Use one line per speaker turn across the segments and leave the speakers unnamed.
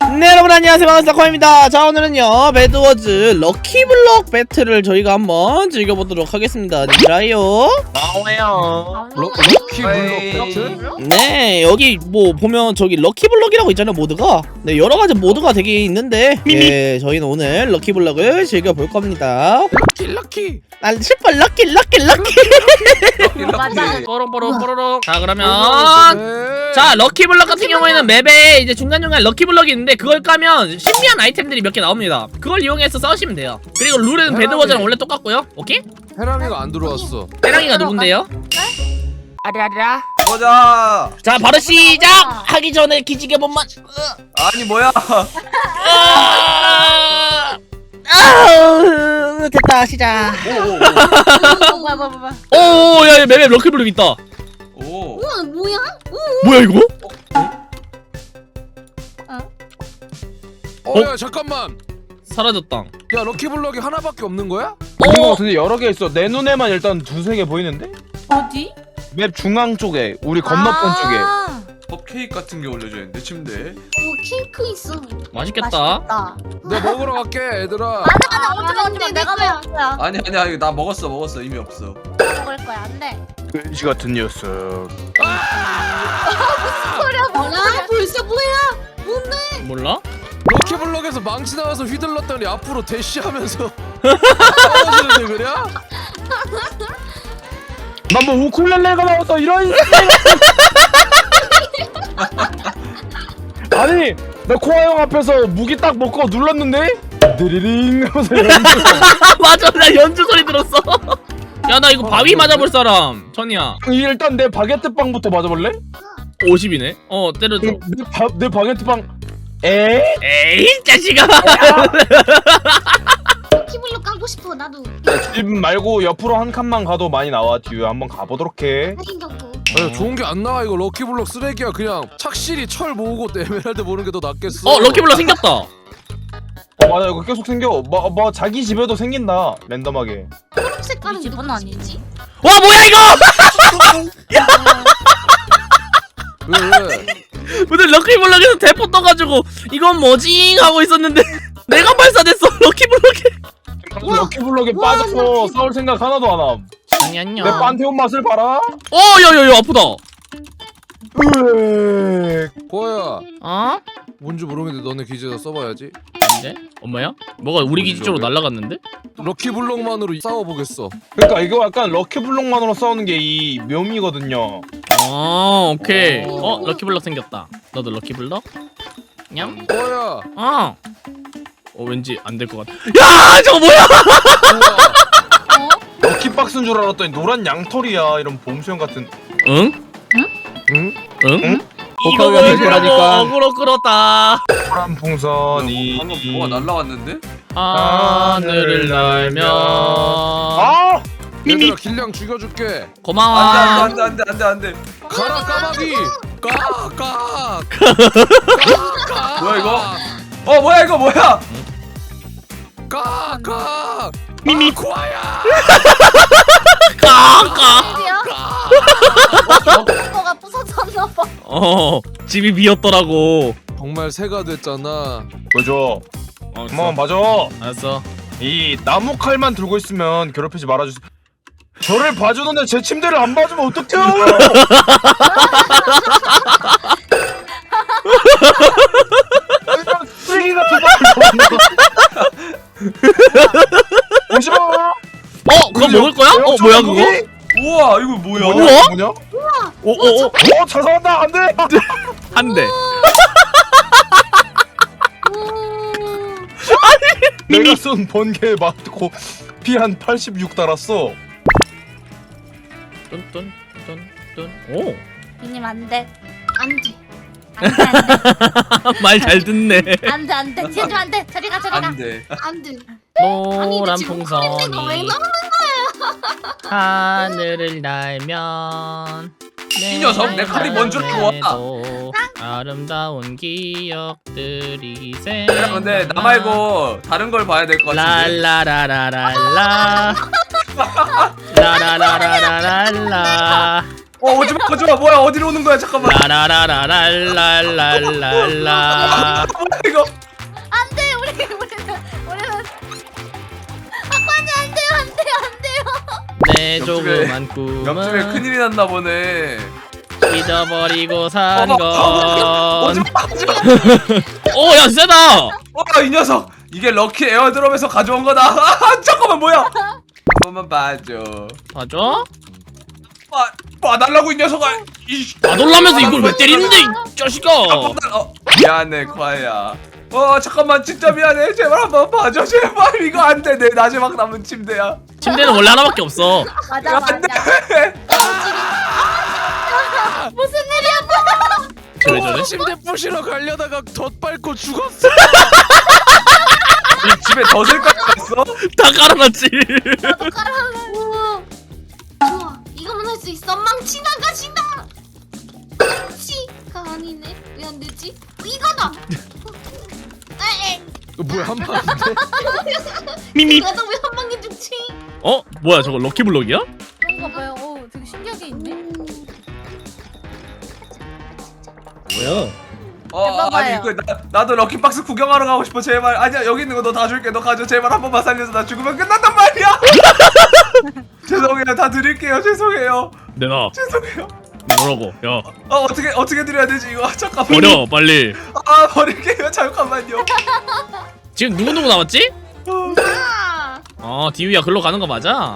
네, 여러분 안녕하세요. 반갑습니다. 코아입니다. 자, 오늘은요 배드워즈 럭키블럭 배틀을 저희가 한번 즐겨보도록 하겠습니다. 님들아요.
나와요.
럭키블럭 배틀?
네, 여기 뭐 보면 저기 럭키블럭이라고 있잖아요, 모드가. 네, 여러가지 모드가 되게 있는데 네, 저희는 오늘 럭키블럭을 즐겨볼 겁니다.
럭키.
난 슈퍼 럭키.
맞아.
뽀롱뽀롱. 자, 그러면 자, 럭키블럭 같은 경우에는 맵에 이제 중간중간 럭키블럭이 있는데 그걸 까면 신비한 아이템들이 몇 개 나옵니다. 그걸 이용해서 싸우시면 돼요. 그리고 룰은 배드워즈랑 원래 똑같고요. 오케이?
해랑이가 안 들어왔어.
해랑이가 누군데요?
아라라.
보자.
자, 바로 시작하기 전에 기지개 번만.
아니 뭐야?
됐다, 시작.
뭐야.
오, 야, 맵에 럭키블럭 있다.
오.
우와 뭐야?
뭐야 이거?
야 잠깐만.
사라졌다.
야 럭키블럭이 하나밖에 없는 거야?
있는 거 같은데 여러 개 있어. 내 눈에만 일단 두세 개 보이는데?
어디?
맵 중앙 쪽에 우리 건너편 쪽에.
컵케이크 같은 게 올려져 있는데 침대에.
오 케이크 있어.
맛있겠다.
내가 먹으러 갈게 얘들아.
어떡해 내가 먹을 거야.
아니 이거 나 먹었어 이미 없어.
먹을 거야 안돼.
돼지 같은 녀석.
소리야 뭐야? 벌써 뭐야? 뭔데?
몰라?
럭키블럭에서 망치 나와서 휘둘렀더니 앞으로 대시하면서 떨어지는데 그냥?
난 뭐 우쿨렐레가 나왔어 이런. 아니 나 코아 형 앞에서 무기 딱 먹고 눌렀는데 드리링 하면서 연주.
맞아, 나 연주 소리 들었어. 야, 나 이거 바위 맞아볼 사람. 천이야.
일단 내 바게트 빵부터 맞아볼래?
50이네. 때려줘.
내 바게트 빵. 에이
자식아.
키블로 까고 싶어 나도.
집 말고 옆으로 한 칸만 가도 많이 나와. 뒤에 한번 가보도록 해.
생겼고.
아니, 좋은 게 안 나와 이거. 럭키블럭 쓰레기야. 그냥 착실히 철 모으고 에메랄드 모으는 게 더 낫겠어.
럭키블럭 생겼다.
맞아 이거 계속 생겨. 뭐 자기 집에도 생긴다 랜덤하게.
초록색 깔은 집은 아니지?
와, 뭐야 이거?
왜?
오늘 럭키블럭에서 대포 떠가지고 이건 뭐지 하고 있었는데 내가 발사됐어. 럭키블럭에.
럭키블럭에
우와,
빠져서 싸울 생각 하나도 안 함.
아니야.
내 판테온 맛을 봐라.
야야야, 아프다.
으엑.
고아야
어?
뭔지 모르겠는데 너네 기지에다 써봐야지.
네? 엄마야? 뭐가 우리 기지 쪽으로 날아갔는데?
럭키블럭만으로 싸워보겠어.
그러니까 이거 약간 럭키블럭만으로 싸우는 게 이 묘미거든요.
오케이.
오.
럭키블럭 생겼다. 너도 럭키블럭? 냠?
고아야.
왠지 안 될 것 같아. 야, 저거 뭐야?
럭키박스인 줄 알았더니 노란 양털이야. 이런 봄수영 같은.
응?
응?
응?
복합이가 될 거라니까.
어그로 끌었다.
노란 풍선이.
방금 뭐가 날라왔는데?
하늘을 날면.
아!
얘들아 길냥 죽여줄게.
고마워.
안돼.
가라 까마귀. 까.
뭐야 이거? 뭐야 이거 뭐야?
까.
미미.
고아야.
까까.
거가 부서졌나 봐.
집이 비었더라고.
정말 새가 됐잖아.
보여줘. 엄마 맞아.
알았어.
이 나무 칼만 들고 있으면 괴롭히지 말아주세요. 저를 봐주는데 제 침대를 안 봐주면 어떡해요? 쓰레기 같은 거. 오지마.
그거 먹을 거야? 뭐야 그거?
우와 이거 뭐야?
우와?
뭐냐?
오,
잘 살았다. 안 돼.
한 대.
내가 쏜 번개에 맞고 피 한 86 달았어.
뚠뚠뚠뚠. 오.
이님 안돼. 안돼.
말 잘 듣네.
안돼. 제주 안돼. 저리 가.
안돼.
안돼.
노란
지금
풍선이
내가 왜 나오는
하늘을 날면
이 녀석, 내 칼이 먼저 들어와.
아름다운 기억들이
야 근데 나 말고 다른 걸 봐야 될 것 같은데.
랄라라라랄라 라라라라라랄라
오지마 오지마. 뭐야 어디로 오는 거야? 잠깐만.
라라라라랄랄랄랄라.
뭐야 이거?
안돼 우리는 아빠님 안 돼요
내 조그만
옆집에
꿈은
큰일이 났나 보네.
잊어버리고 산 건.
오지마.
오, 야, 세다.
이 녀석. 이게 럭키 에어드롭에서 가져온 거다. 잠깐만 뭐야? 한 번만 봐줘.
맞아?
봐달라고 이 녀석아.
나돌라면서 이걸 왜 때리는데, 이 자식아.
미안해 과야. 잠깐만 진짜 미안해. 제발 한번 봐줘. 제발 이거 안 돼. 내 마지막 남은 침대야.
침대는 원래 하나밖에 없어.
맞아
안 돼.
무슨 일이야
저래, 저래.
침대 부시러 가려다가 덧밟고 죽었어.
이 집에 덫을까지 갔어?
다 깔아놨지.
우와. 좋아 이거만 할 수 있어 망치 나가신다 망치가 아니네 왜 안 되지 이거다 에이
뭐야 한 방.
미미.
나도 왜 한 방에 죽지
어? 뭐야, 저거 럭키블럭이야?
그런가 봐요 되게 신기하게 있네
뭐야?
아니 이거 나도 럭키박스 구경하러 가고 싶어. 제발. 아니야 여기 있는 거 너 다 줄게. 너 가져. 제발 한 번만 살려서 나 죽으면 끝난단 말이야. 죄송해요. 다 드릴게요. 죄송해요.
내놔.
죄송해요.
뭐라고? 야,
어떻게 드려야 되지 이거? 잠깐만.
버려, 빨리.
버릴게요. 잠깐만요.
지금 누구 남았지?
아
디유야, 글로 가는 거 맞아?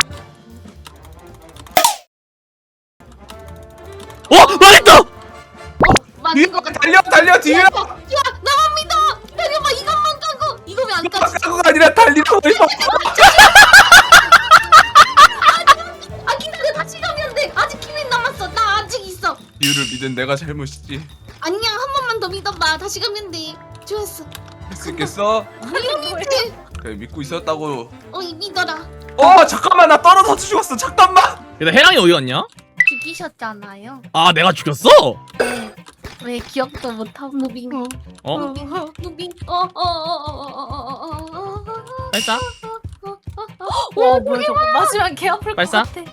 망했다!
맞는 거 같아
달려 뒤에.
야 나만 믿어 달려봐 이것만 까고 이거 왜 안 까지
까고가 아니라 달리라고 해서.
아 기다려 다시 가면 돼 아직 기회 남았어 나 아직 있어
이유를 믿은 내가 잘못이지.
아니야 한 번만 더 믿어봐 다시 가면 돼 좋았어
할 수 있겠어?
당연히지
그래 믿고 있었다고.
믿어라
잠깐만 나 떨어져서 죽었어. 잠깐만.
근데 해랑이 어디 갔냐?
죽이셨잖아요
아, 내가 죽였어?
왜 기억도 못하고 무빙
어?
무빙
발사?
와 뭐야 저거 마지막 개 아플 것
발사?
같아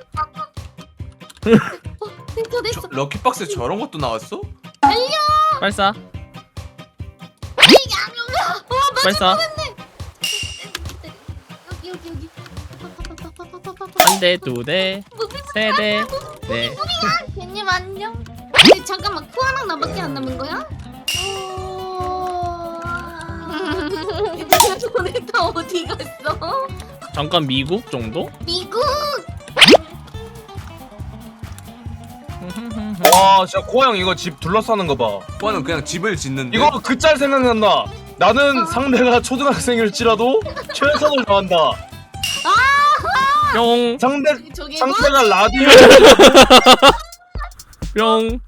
됐어 됐어
럭키박스에 저런 것도 나왔어?
발사?
맞아
발사?
여기
한 대, 두 대, 세 대, 네.
괜님 안녕 근데 잠깐만 코아랑 나밖에 안 남은 거야? 너네 다 어디 갔어?
잠깐 미국 정도?
미국
와 진짜 코아 형 이거 집 둘러싸는 거 봐.
오빠는 그냥 집을 짓는데.
이거 그 짤 생각난다. 나는 상대가 초등학생일지라도 최선을 다한다.
뿅,
저기
상대가 라디오
뿅.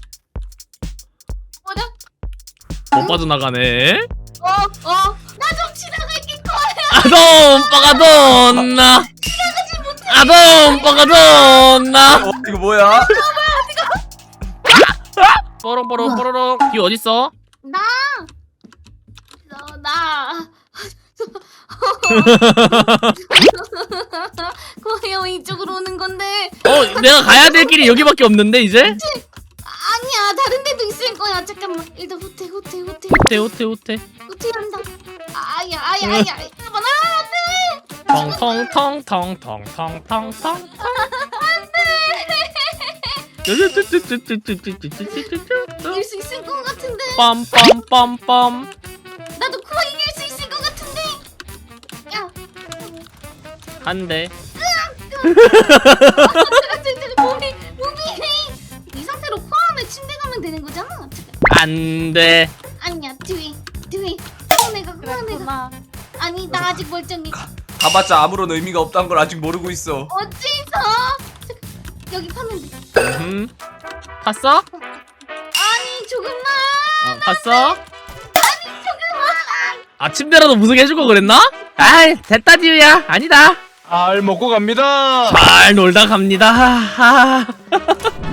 뭐야?
못 빠져나가네.
나 좀 지나갈게 코아야
아돔, 빠가돈나. 아돔, 빠가돈나.
이거 뭐야?
뽀롱뽀롱, 뽀로롱. 디유 어딨어?
나 코아형 이쪽으로 오는 건데
내가 가야 될 길이 여기밖에 없는데, 이제?
아니야 다른 데도 있을 거야 잠깐만 일단 후퇴
호태.
후퇴한다 아야 잠깐만 안돼
텅텅텅텅텅텅텅텅.
이길 수 있을 것 같은데
빰빰빰빰.
나도 코아 이길 수 있을 것 같은데 야
한 대.
무비 이 상태로 코아 안에 침대 가면 되는 거잖아 잠깐.
안 돼.
아니야 뒤에 코아 내가 아니 나 아직 멀쩡해
가봤자 아무런 의미가 없다는 걸 아직 모르고 있어.
어찌서 여기 파면 돼
봤어?
아니 조금만
봤어? 침대라도 무승해주고 그랬나? 아이, 됐다, 디유야. 아니다.
알 먹고 갑니다.
잘 놀다 갑니다.